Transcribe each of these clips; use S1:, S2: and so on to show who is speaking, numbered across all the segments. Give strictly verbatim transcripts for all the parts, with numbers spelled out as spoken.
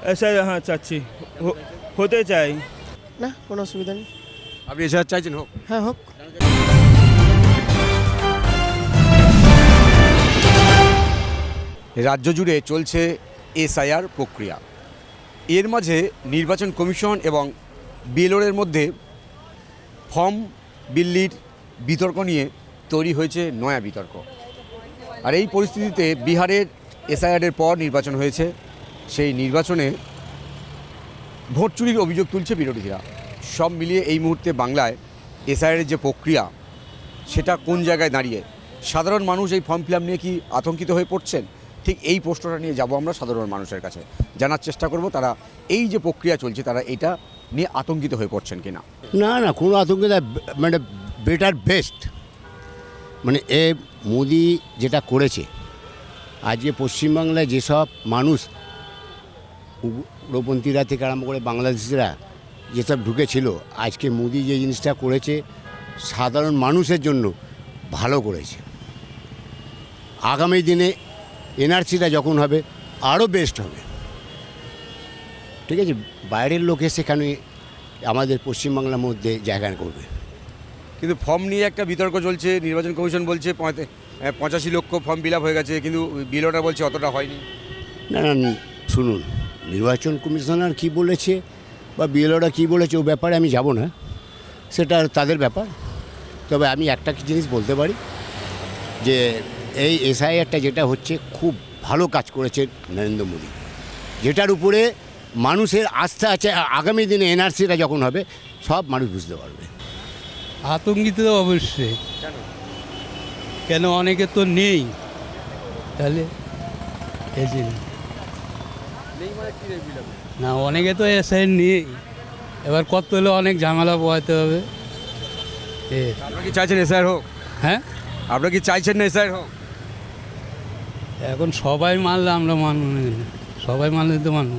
S1: SI হ্যাঁ চাচ্ছি, হ- হতে চাই।
S2: না, কোনো অসুবিধা নেই।
S3: আপনি এসআইআর চাইছেন হোক?
S2: হ্যাঁ, হোক।
S3: রাজ্য জুড়ে চলছে এসআইআর প্রক্রিয়া। এর মাঝে নির্বাচন কমিশন এবং বিএলওর মধ্যে ফর্ম বিল্লির বিতর্ক নিয়ে তৈরি হয়েছে নয়া বিতর্ক। আর এই পরিস্থিতিতে বিহারের এসআইআরের পর নির্বাচন হয়েছে, সেই নির্বাচনে ভোট চুরির অভিযোগ তুলছে বিরোধীরা। সব মিলিয়ে এই মুহূর্তে বাংলায় এসআইআরের যে প্রক্রিয়া সেটা কোন জায়গায় দাঁড়িয়ে, সাধারণ মানুষ এই ফর্ম ফিল আপ নিয়ে কি আতঙ্কিত হয়ে পড়ছেন? ঠিক এই প্রশ্নটা নিয়ে যাব আমরা সাধারণ মানুষের কাছে, জানার চেষ্টা করব তারা এই যে প্রক্রিয়া চলছে তারা এটা নিয়ে আতঙ্কিত হয়ে পড়ছেন কিনা।
S4: না না কোনো আতঙ্ক না, মানে বেটার বেস্ট। মানে এ মোদি যেটা করেছে, আজকে পশ্চিমবাংলায় যেসব মানুষ উগ্রপন্থীরা থেকে আরম্ভ করে বাংলাদেশিরা যেসব ঢুকেছিল, আজকে মোদি যে জিনিসটা করেছে সাধারণ মানুষের জন্য ভালো করেছে। আগামী দিনে এনআরসিটা যখন হবে আরও বেস্ট হবে। ঠিক আছে, বাইরের লোক সেখানে আমাদের পশ্চিমবাংলার মধ্যে জায়গা করবে।
S3: কিন্তু ফর্ম নিয়ে একটা বিতর্ক চলছে, নির্বাচন কমিশন বলছে পঁচাশি লক্ষ ফর্ম ফিল আপ হয়ে গেছে, কিন্তু বিএলওটা বলছে অতটা হয়নি।
S4: না না শুনুন, নির্বাচন কমিশনার কি বলেছে বা বিএলওরা কী বলেছে ও ব্যাপারে আমি যাব না, সেটা তাদের ব্যাপার। তবে আমি একটা জিনিস বলতে পারি যে এই এসআইআরটা যেটা হচ্ছে খুব ভালো কাজ করেছে নরেন্দ্র মোদী, যেটার উপরে মানুষের আস্থা আছে। আগামী দিনে এনআরসিটা যখন হবে সব মানুষ বুঝতে পারবে।
S5: আতঙ্কিত তো অবশ্যই, কেন অনেকে তো নেই, তাহলে এই জন্য না, অনেকে তো এসআই নেই, এবার কত হলে অনেক ঝামেলা পোহাতে হবে।
S3: আপনারা কি চাইছেন এসআইআর হোক?
S5: হ্যাঁ,
S3: আপনারা কি চাইছেন না এসআইআর হোক?
S5: এখন সবাই মানলে আমরা মানব না, সবাই মানলে তো মানব।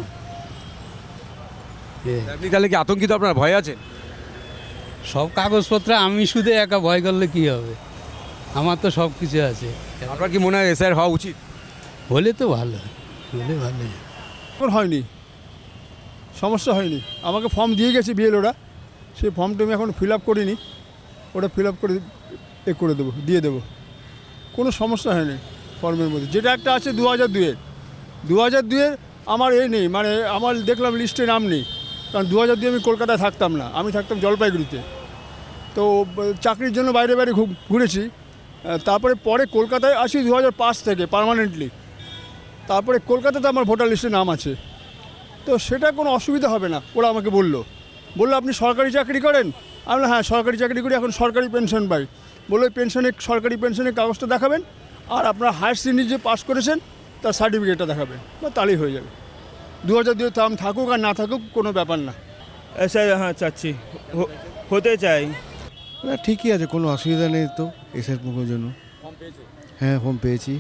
S3: আপনি তাহলে কি আতঙ্কিত, আপনার ভয় আছে?
S5: সব কাগজপত্র আমি শুধু একা ভয় করলে কি হবে, আমার তো সব কিছু আছে।
S3: আপনার কি মনে হয় এসআইআর হওয়া উচিত?
S5: হলে তো ভালো, হলে ভালো।
S6: এখন হয়নি, সমস্যা হয়নি। আমাকে ফর্ম দিয়ে গেছে বিএলওরা, সেই ফর্মটা আমি এখন ফিল আপ করিনি, ওটা ফিল আপ করে এ করে দেবো, দিয়ে দেবো। কোনো সমস্যা হয়নি ফর্মের মধ্যে। যেটা একটা আছে দু হাজার দুইয়ের দু হাজার দুইয়ের আমার এই নেই, মানে আমার দেখলাম লিস্টে নাম নেই, কারণ দু হাজার দুই আমি কলকাতায় থাকতাম না, আমি থাকতাম জলপাইগুড়িতে। তো চাকরির জন্য বাইরে বাইরে ঘুরেছি, তারপরে পরে কলকাতায় আসি দু হাজার পাঁচ থেকে পার্মানেন্টলি। তারপরে কলকাতাতে আমার ভোটার লিস্টে নাম আছে, তো সেটা কোনো অসুবিধা হবে না। ওরা আমাকে বললো বললো আপনি সরকারি চাকরি করেন? আমি বললাম হ্যাঁ সরকারি চাকরি করি, এখন সরকারি পেনশন পাই। বললো ওই পেনশনের সরকারি পেনশনের কাগজটা দেখাবেন, আর আপনার হায়ার সেকেন্ডারি যে পাস করেছেন তার সার্টিফিকেটটা দেখাবেন, বা তাহলেই হয়ে যাবে। দু হাজার দুই দাম থাকুক আর না থাকুক কোনো ব্যাপার না।
S1: এসআই হ্যাঁ চাচ্ছি, হ- হতে চাই।
S7: না ঠিকই আছে, কোনো অসুবিধা নেই তো এসআর মুখের জন্য। হ্যাঁ ফর্ম পেয়েছি।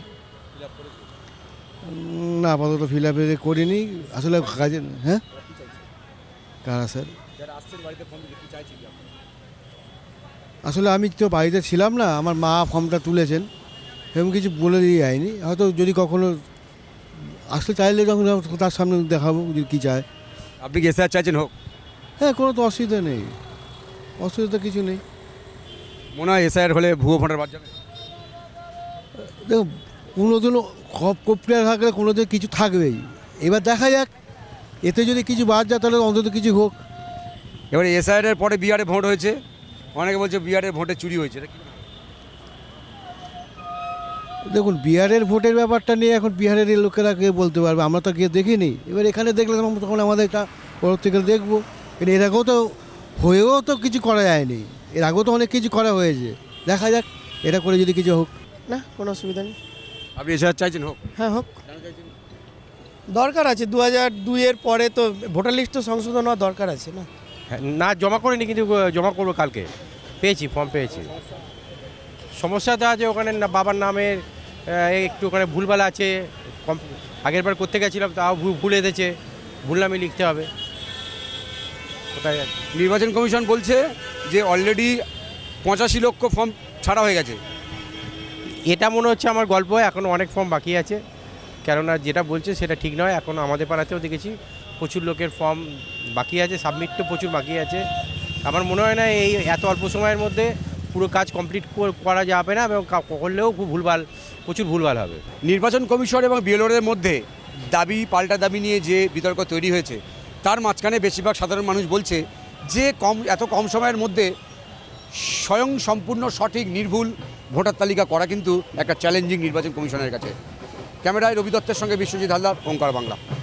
S7: না আপাতত ফিল আপ করিনি আসলে কাজে। হ্যাঁ কারা স্যার? আসলে আমি তো বাড়িতে ছিলাম না, আমার মা ফর্মটা তুলেছেন, এরকম কিছু বলে দিয়ে যায়নি। হয়তো যদি কখনো আসলে চাইলে যখন তার সামনে দেখাবো যদি কী চায়।
S3: আপনি কি এসআইআর চাইছেন হোক?
S7: হ্যাঁ কোনো তো অসুবিধা নেই, অসুবিধা কিছু নেই।
S3: মনে হয় এসআইআর হলে ভুয়ো ভোটার বাদ যাবে?
S7: দেখো কোনো দিন কপ্রিয়া থাকলে কোনো দিন কিছু থাকবেই, এবার দেখা যাক, এতে যদি কিছু বাদ যায় তাহলে অন্তত কিছু হোক।
S3: এবারে এসআইআরের পরে বিহারে ভোট হয়েছে, অনেকে বলছে বিহারের ভোটে চুরি হয়েছে।
S7: দেখুন বিহারের ভোটের ব্যাপারটা নিয়ে এখন বিহারের লোকেরা কে বলতে পারবে, আমরা তো গিয়ে দেখিনি। এবার এখানে দেখলে তখন আমাদের এটা পর থেকে দেখবো। এর আগেও তো হয়েও তো কিছু করা যায়নি, এর আগেও তো অনেক কিছু করা হয়েছে, দেখা যাক এটা করে যদি কিছু হোক।
S2: না, কোনো অসুবিধা নেই।
S3: আপনি এসআইআর চাইছেন হোক?
S2: হ্যাঁ, হোক। দরকার আছে, দু হাজার দুইয়ের পরে তো ভোটার লিস্ট তো সংশোধন হওয়া দরকার আছে না।
S8: না জমা করিনি, কিন্তু জমা করবো কালকে। পেয়েছি, ফর্ম পেয়েছি। সমস্যাটা আছে ওখানে না, বাবার নামের একটু ওখানে ভুলভাল আছে। আগের বার করতে গেছিলাম তাও ভুল এসেছে, ভুল নামে লিখতে হবে। কোথায়
S3: নির্বাচন কমিশন বলছে যে অলরেডি পঁচাশি লক্ষ ফর্ম ছাড়া হয়ে গেছে।
S8: এটা মনে হচ্ছে আমার গল্প, এখনও অনেক ফর্ম বাকি আছে, কেননা যেটা বলছে সেটা ঠিক নয়। এখন আমাদের পাড়াতেও দেখেছি প্রচুর লোকের ফর্ম বাকি আছে, সাবমিট তো প্রচুর বাকি আছে। আমার মনে হয় না এই এত অল্প সময়ের মধ্যে পুরো কাজ কমপ্লিট করা যাবে না, এবং করলেও খুব ভুলভাল, প্রচুর ভুলভাল হবে।
S3: নির্বাচন কমিশন এবং বিএলওদের মধ্যে দাবি পাল্টা দাবি নিয়ে যে বিতর্ক তৈরি হয়েছে, তার মাঝখানে বেশিরভাগ সাধারণ মানুষ বলছে যে কম এত কম সময়ের মধ্যে স্বয়ং সম্পূর্ণ সঠিক নির্ভুল ভোটার তালিকা করা কিন্তু একটা চ্যালেঞ্জিং নির্বাচন কমিশনের কাছে। ক্যামেরায় রবি দত্তের সঙ্গে বিশ্বজিৎ হালদার, ওঙ্কার বাংলা।